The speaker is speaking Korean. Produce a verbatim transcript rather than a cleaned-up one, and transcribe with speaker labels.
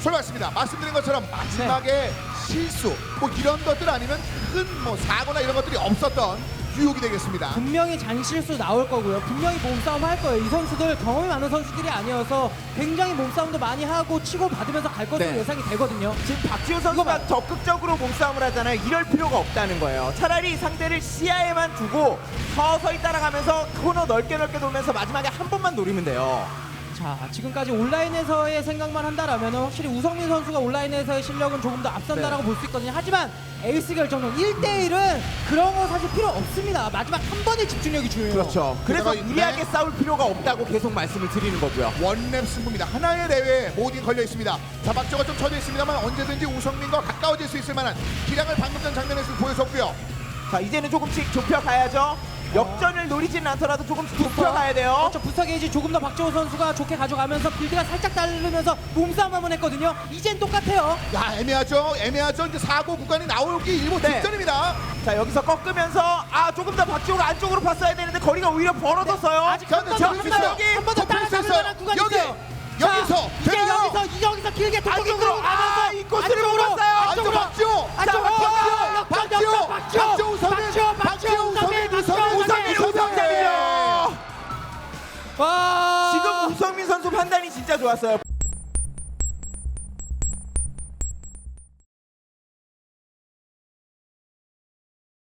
Speaker 1: 출발했습니다. 말씀드린 것처럼 마지막에
Speaker 2: 네.
Speaker 1: 실수 뭐 이런 것들 아니면 큰 뭐 사고나 이런 것들이 없었던 유혹이 되겠습니다.
Speaker 2: 분명히 잔실수 나올 거고요. 분명히 몸싸움 할 거예요. 이 선수들 경험이 많은 선수들이 아니어서 굉장히 몸싸움도 많이 하고 치고 받으면서 갈 것으로
Speaker 3: 네.
Speaker 2: 예상이 되거든요.
Speaker 3: 지금 박지호
Speaker 2: 이거
Speaker 3: 선수가
Speaker 2: 봐.
Speaker 3: 적극적으로 몸싸움을 하잖아요. 이럴 필요가 없다는 거예요. 차라리 상대를 시야에만 두고 서서히 따라가면서 코너 넓게 넓게 돌면서 마지막에 한 번만 노리면 돼요.
Speaker 2: 자, 지금까지 온라인에서의 생각만 한다라면 확실히 우성민 선수가 온라인에서의 실력은 조금 더 앞선다라고
Speaker 3: 네.
Speaker 2: 볼 수 있거든요. 하지만 에이스 결정전 일 대 일은 그런 거 사실 필요 없습니다. 마지막 한 번의 집중력이 중요해요.
Speaker 3: 그렇죠. 그래서
Speaker 1: 게다가
Speaker 3: 무리하게
Speaker 1: 네.
Speaker 3: 싸울 필요가 없다고 계속 말씀을 드리는 거고요.
Speaker 1: 원랩 승부입니다. 하나의 대회에 모든 걸려 있습니다. 자, 박정호 좀 쳐져 있습니다만 언제든지 우성민과 가까워질 수 있을 만한 기량을 방금 전 장면에서 보여줬고요.
Speaker 3: 자, 이제는 조금씩 좁혀가야죠. 역전을 노리지는 않더라도 조금씩 좁혀가야 돼요.
Speaker 2: 그렇죠. 부스터 게이지 조금 더 박지호 선수가 좋게 가져가면서 빌드가 살짝 다르면서 몸싸움 한번 했거든요. 이젠 똑같아요.
Speaker 1: 야, 애매하죠. 애매하죠. 이제 사고 구간이 나오기 일보
Speaker 3: 네.
Speaker 1: 직전입니다.
Speaker 3: 자, 여기서 꺾으면서 아 조금 더 박지호가 안쪽으로 봤어야 되는데 거리가 오히려 벌어졌어요.
Speaker 2: 아직
Speaker 1: 자,
Speaker 2: 한
Speaker 1: 근데
Speaker 2: 번 더,
Speaker 1: 잡을 수
Speaker 2: 한 번 더,
Speaker 1: 있어요.
Speaker 2: 한 번 더
Speaker 1: 덮을 수
Speaker 2: 따라잡을
Speaker 1: 있어요.
Speaker 2: 만한 구간이
Speaker 1: 여기,
Speaker 2: 있어요.
Speaker 1: 여기서
Speaker 2: 자, 이제
Speaker 1: 되나요?
Speaker 2: 여기서 여기서 길게
Speaker 3: 안쪽으로 아 인코스를 못 봤어요.
Speaker 1: 안쪽 박지호.
Speaker 2: 안쪽으로
Speaker 1: 박지호. 박지호. 박지호 우성민.
Speaker 2: 박지호
Speaker 1: 박지호 우성민. 우성민.
Speaker 3: 우성민 우성민이요.
Speaker 2: 와
Speaker 3: 지금 우성민 선수 판단이 진짜 좋았어요.